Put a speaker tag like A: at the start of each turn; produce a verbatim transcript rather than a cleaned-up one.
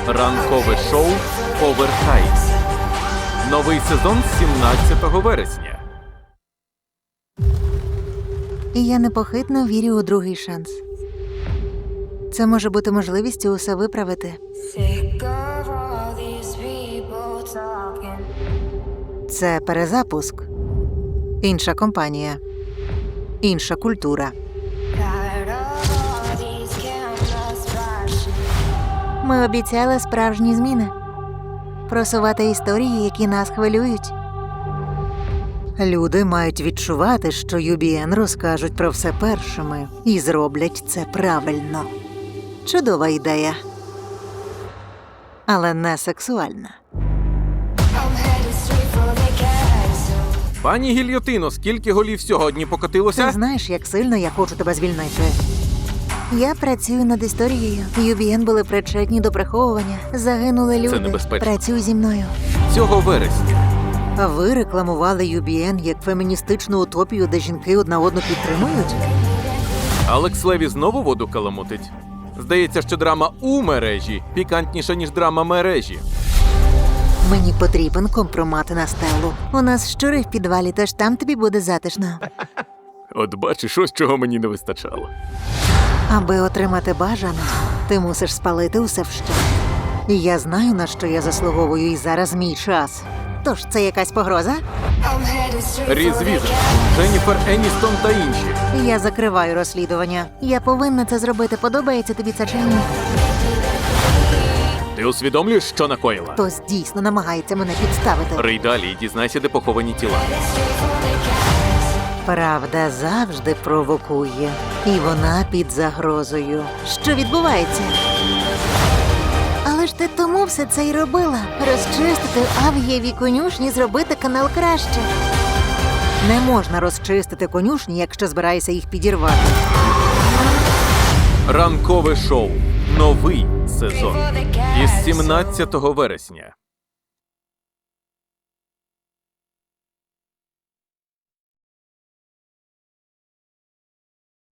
A: Ранкове шоу «Овертайм». Новий сезон з сімнадцятого вересня.
B: І я непохитно вірю у другий шанс. Це може бути можливістю усе виправити. Це перезапуск. Інша компанія. Інша культура. Ми обіцяли справжні зміни. Просувати історії, які нас хвилюють. Люди мають відчувати, що ю бі ен розкажуть про все першими. І зроблять це правильно. Чудова ідея. Але не сексуальна.
A: Пані Гільйотино, скільки голів сьогодні покотилося?
B: Ти знаєш, як сильно я хочу тебе звільнити. Я працюю над історією. ю бі ен були причетні до приховування. Загинули люди.
A: Це небезпечно.
B: Працюй зі мною.
A: Цього вересня.
B: А ви рекламували ю бі ен як феміністичну утопію, де жінки одна одну підтримують?
A: Алекс Леві знову воду каламутить? Здається, що драма у мережі пікантніша, ніж драма мережі.
B: Мені потрібен компромат на стелу. У нас щури в підвалі, тож там тобі буде затишно.
A: От бачиш, ось чого мені не вистачало.
B: Аби отримати бажане, ти мусиш спалити усе вщент. І я знаю, на що я заслуговую, і зараз мій час. Тож, це якась погроза?
A: Різ Візер, Дженніфер Еністон та інші.
B: Я закриваю розслідування. Я повинна це зробити. Подобається тобі це чи ні?
A: Ти усвідомлюєш, що накоїла?
B: Хтось дійсно намагається мене підставити.
A: Рий далі і дізнайся, де поховані тіла.
B: Правда завжди провокує. І вона під загрозою. Що відбувається? Але ж ти тому все це й робила. Розчистити авгієві конюшні, зробити канал краще. Не можна розчистити конюшні, якщо збираєшся їх підірвати.
A: Ранкове шоу. Новий сезон. Із сімнадцятого вересня.